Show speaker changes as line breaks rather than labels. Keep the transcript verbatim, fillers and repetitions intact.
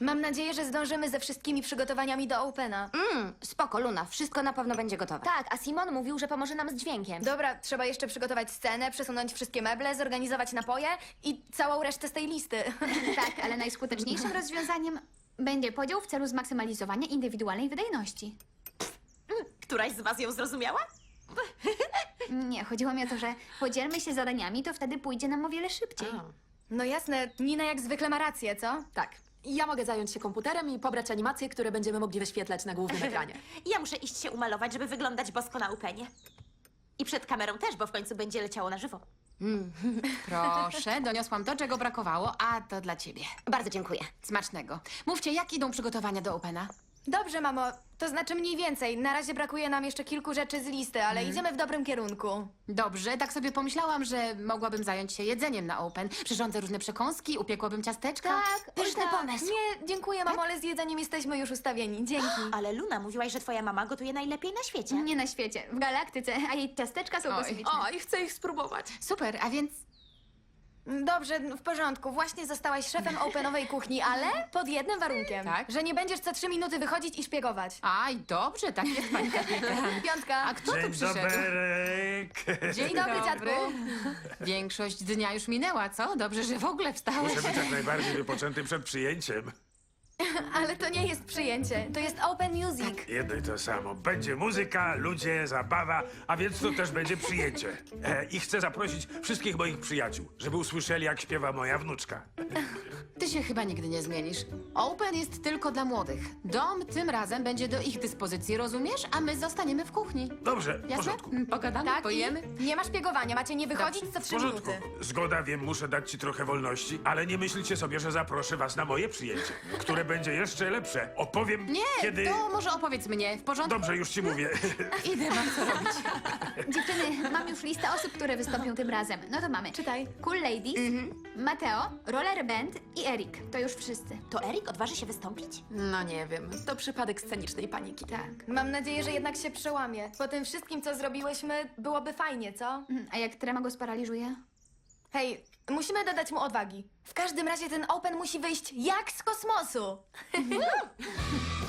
Mam nadzieję, że zdążymy ze wszystkimi przygotowaniami do Opena.
Mm, spoko, Luna, wszystko na pewno będzie gotowe.
Tak, a Simon mówił, że pomoże nam z dźwiękiem.
Dobra, trzeba jeszcze przygotować scenę, przesunąć wszystkie meble, zorganizować napoje i całą resztę z tej listy.
Tak, ale najskuteczniejszym rozwiązaniem będzie podział w celu zmaksymalizowania indywidualnej wydajności.
Któraś z was ją zrozumiała?
Nie, chodziło mi o to, że podzielmy się zadaniami, to wtedy pójdzie nam o wiele szybciej.
No jasne, Nina jak zwykle ma rację, co?
Tak. Ja mogę zająć się komputerem i pobrać animacje, które będziemy mogli wyświetlać na głównym ekranie.
Ja muszę iść się umalować, żeby wyglądać bosko na upenie. I przed kamerą też, bo w końcu będzie leciało na żywo.
Proszę, doniosłam to, czego brakowało, a to dla ciebie.
Bardzo dziękuję.
Smacznego. Mówcie, jak idą przygotowania do Opena?
Dobrze, mamo, to znaczy mniej więcej. Na razie brakuje nam jeszcze kilku rzeczy z listy, ale idziemy w dobrym kierunku.
Dobrze, tak sobie pomyślałam, że mogłabym zająć się jedzeniem na Open. Przyrządzę różne przekąski, upiekłabym ciasteczka.
Tak,
Pyszny
oj, tak.
pomysł.
Nie, dziękuję, mamo, ale z jedzeniem jesteśmy już ustawieni. Dzięki.
Ale Luna, mówiłaś, że twoja mama gotuje najlepiej na świecie.
Nie na świecie, w galaktyce, a jej ciasteczka są
Oj.
kosmiczne.
O, i chcę ich spróbować.
Super, a więc
Dobrze, w porządku. Właśnie zostałaś szefem Openowej kuchni, ale pod jednym warunkiem.
Tak?
Że nie będziesz co trzy minuty wychodzić i szpiegować.
Aj, dobrze, tak jest, pani kapitan.
Piątka.
A kto tu
Dzień
przyszedł?
dobry.
Dzień
dobry, dziadku.
Większość dnia już minęła, co? Dobrze, że w ogóle wstałeś.
Muszę być jak najbardziej wypoczęty przed przyjęciem.
Ale to nie jest przyjęcie. To jest Open Music.
Jedno i to samo. Będzie muzyka, ludzie, zabawa, a więc to też będzie przyjęcie. E, I chcę zaprosić wszystkich moich przyjaciół, żeby usłyszeli, jak śpiewa moja wnuczka.
Ty się chyba nigdy nie zmienisz. Open jest tylko dla młodych. Dom tym razem będzie do ich dyspozycji, rozumiesz? A my zostaniemy w kuchni.
Dobrze, w
Jasne?
porządku.
Mm, Pogadamy,
Tak?
pojemy.
I nie ma szpiegowania. Macie nie wychodzić co
W
trzy
porządku.
minuty.
Zgoda, wiem, muszę dać ci trochę wolności, ale nie myślcie sobie, że zaproszę was na moje przyjęcie, które będzie jeszcze lepsze. Opowiem,
Nie,
kiedy...
to może opowiedz mnie, w porządku?
Dobrze, już ci mówię.
Idę, mam co robić.
Dziewczyny, mam już listę osób, które wystąpią tym razem. No to mamy.
Czytaj.
Cool Ladies, Mateo, Roller Band i Erik. To już wszyscy.
To Erik odważy się wystąpić?
No nie wiem, to przypadek scenicznej paniki.
Tak.
Mam nadzieję, że jednak się przełamie. Po tym wszystkim, co zrobiłyśmy, byłoby fajnie, co?
Mhm, a jak trema go sparaliżuje?
Hej, musimy dodać mu odwagi. W każdym razie ten Open musi wyjść jak z kosmosu.